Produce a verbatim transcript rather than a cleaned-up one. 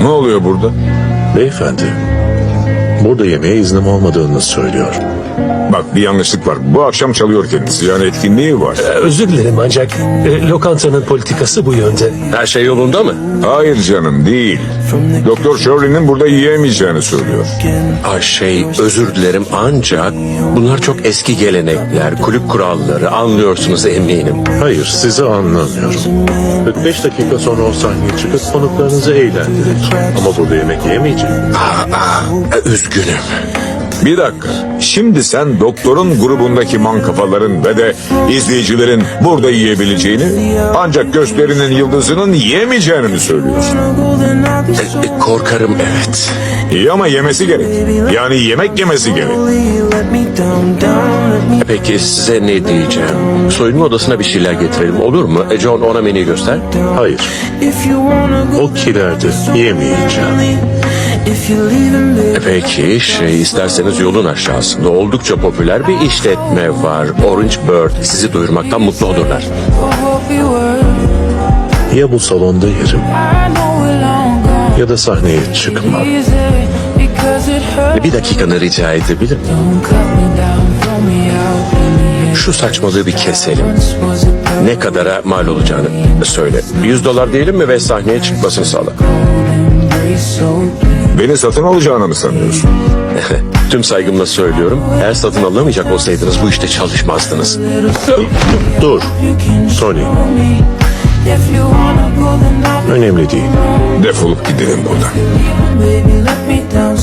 Ne oluyor burada? Beyefendi, burada yemeğe iznim olmadığını söylüyor. Bak bir yanlışlık var. Bu akşam çalıyor kendisi. Yani etkinliği var. Özür dilerim ancak e, lokantanın politikası bu yönde. Her şey yolunda mı? Hayır canım değil. Doktor Shirley'nin burada yiyemeyeceğini söylüyor. Ay şey özür dilerim ancak bunlar çok eski gelenekler, kulüp kuralları anlıyorsunuz eminim. Hayır, sizi anlamıyorum. kırk beş dakika sonra o sahneye çıkıp konuklarınızı eğlendirecek. Ama burada yemek yemeyecek. Aa, üzgünüm. Bir dakika. Şimdi sen doktorun grubundaki mankafaların ve de izleyicilerin burada yiyebileceğini ancak gösterinin yıldızının yiyemeyeceğini mi söylüyorsun? E, e, korkarım evet. İyi ama yemesi gerek. Yani yemek yemesi gerek. E, peki size ne diyeceğim? Soyunma odasına bir şeyler getirelim olur mu? E, John ona menüyü göster. Hayır, o kilerde yemeyeceğim. E, peki şey isterseniz yolun aşağısında oldukça popüler bir işletme var. Orange Bird sizi duyurmaktan mutlu olurlar. Ya bu salonda yerim ya da sahneye çıkmam. E, bir dakikanı rica edebilir miyim? Şu saçmalığı bir keselim. Ne kadara mal olacağını söyle. yüz dolar diyelim mi ve sahneye çıkmasını sağla. Beni satın alacağını mı sanıyorsun? Tüm saygımla söylüyorum. Eğer satın alamayacak olsaydınız bu işte çalışmazdınız. Dur, Tony. Önemli değil. Defolup gidelim buradan. Baby, let me down.